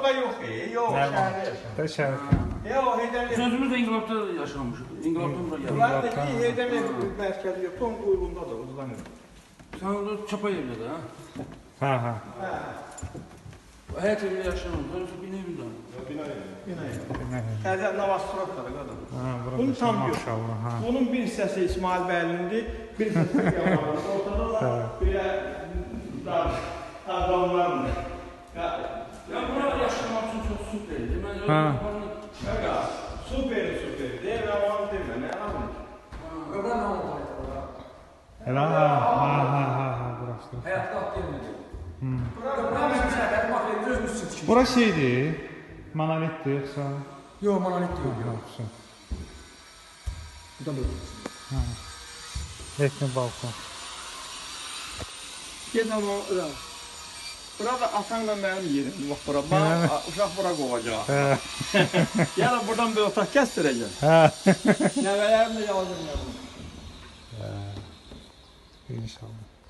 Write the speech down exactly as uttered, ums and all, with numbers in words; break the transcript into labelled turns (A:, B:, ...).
A: burada yok, e, yok, şəhərdə yaşamışıq.
B: Da şəhər.
A: Yox, Heydəmiyev.
C: Sözümüz də İnqilabda yaşamışıq. İnqilabdan bura gəldik.
A: Bunlar da ki, Heydəmiyev mərkəzi yox, Tom quyruğunda da uzanır.
C: Sən orada Çapayevdə də, ha?
B: Ha, ha.
C: Həyat evində yaşamamız, bina evində.
A: Bina evi. Təzə Navastrovkadır qadın.
B: Ha,
A: Bunu
B: burada
A: tam yox.
B: maşallah, ha.
A: Bunun bir hissəsi İsmail Bəylindir, bir hissəsi Yamanlıdır. Ortada da belə adamlardır.
C: Ya bura yaşamaq üçün çox süperdir. Mən
B: Ha.
A: Qaqa, super, super. Deyir, aman demə, nə alın?
D: Öbür nə oldu orada?
B: Elə, ha, ha, ha, ha, ha, burası.
D: Həyatda at gelmedi. Bura bizim səhərlər, bax, özümüz üçün tikmiş.
B: Bura şeydir, monolitdir, yoxsa?
D: Yox, monolit yox.
B: Ha, yoxsa.
D: Buradan böyle.
B: Ha. Ekni balkon.
A: Gedəm o, ora. Bura da atanla mənim yerimdir, bax bura. Bax, uşaq bura qovacaq. Yəni buradan bir otaq kəsdirəcəm.
B: Ha.
A: Nəvələrim də yazır.
B: İnşallah.